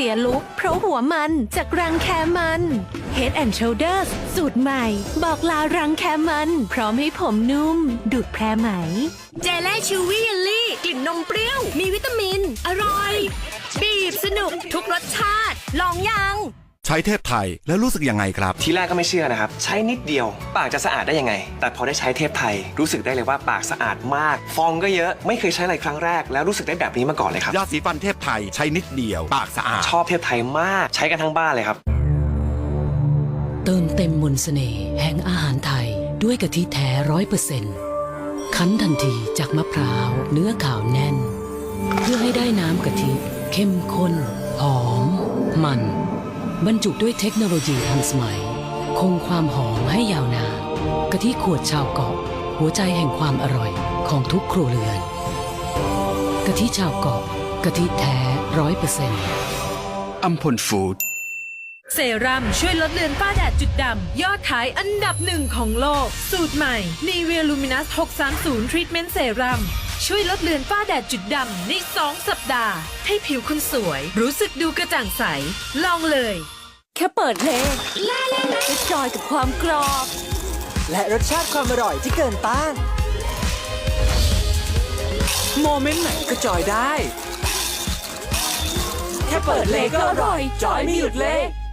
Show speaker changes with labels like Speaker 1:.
Speaker 1: สียลุคเพราะหัวมันจากรังแคมัน Head and Shoulders สูตรใหม่ บอกลารังแคมันพร้อมให้ผมนุ่ม ดูดแพรไหม
Speaker 2: เจลล่ชิวี่เยลลี่กลิ่นนมเปรี้ยว มีวิตามิน อร่อย บีบสนุกทุกรสชาติ ลองยัง
Speaker 3: ใช้เทพไทยแล้วรู้สึกยังไงครับ
Speaker 4: ทีแรกก็ไม่เชื่อนะครับ ใช้นิดเดียว ปากจะสะอาดได้ยังไง แต่พอได้ใช้เทพไทยรู้สึกได้เลยว่าปากสะอาดมาก ฟองก็เยอะไม่เคยใช้อะไรครั้งแรกแล้วรู้สึกได้แบบนี้มาก่อนเลยครับ
Speaker 3: ยาสีฟันเทพไทยใช้นิดเดียว ปากสะอาด
Speaker 4: ชอบเทพไทยมากใช้กันทั้งบ้านเลยครับ
Speaker 5: เติมเต็มมนต์เสน่ห์แห่งอาหารไทยด้วยกะทิแท้100%คั้นทันทีจากมะพร้าวเนื้อขาวแน่น เพื่อให้ได้น้ำกะทิเข้มข้น หอม มันบรรจุด้วยเทคโนโลยีทันสมัย คงความหอมให้ยาวนานกะทิขวดชาวเกาะหัวใจแห่งความอร่อยของทุกครัวเรือนกะทิชาวเกาะกะทิแท้100%
Speaker 3: อัมพลฟู้ด
Speaker 6: เซรั่มช่วยลดเลือนฝ้าแดดจุดดำยอดขายอันดับ1ของโลกสูตรใหม่ Nivea Luminous 630 Treatment Serum ช่วยลดเลือนฝ้าแดดจุดดำใน2 สัปดาห์ ให้ผิวคุณสวยรู้สึกดูกระจ่างใส ลองเลย
Speaker 1: แค่เปิดเพลงจะจอยกับความกรอบ
Speaker 7: และรสชาติความอร่อยที่เกินต้าน โมเมนต์ไหนก็จอยได้ แค่เปิดเลยก็อร่อย จอยไม่หยุดเลย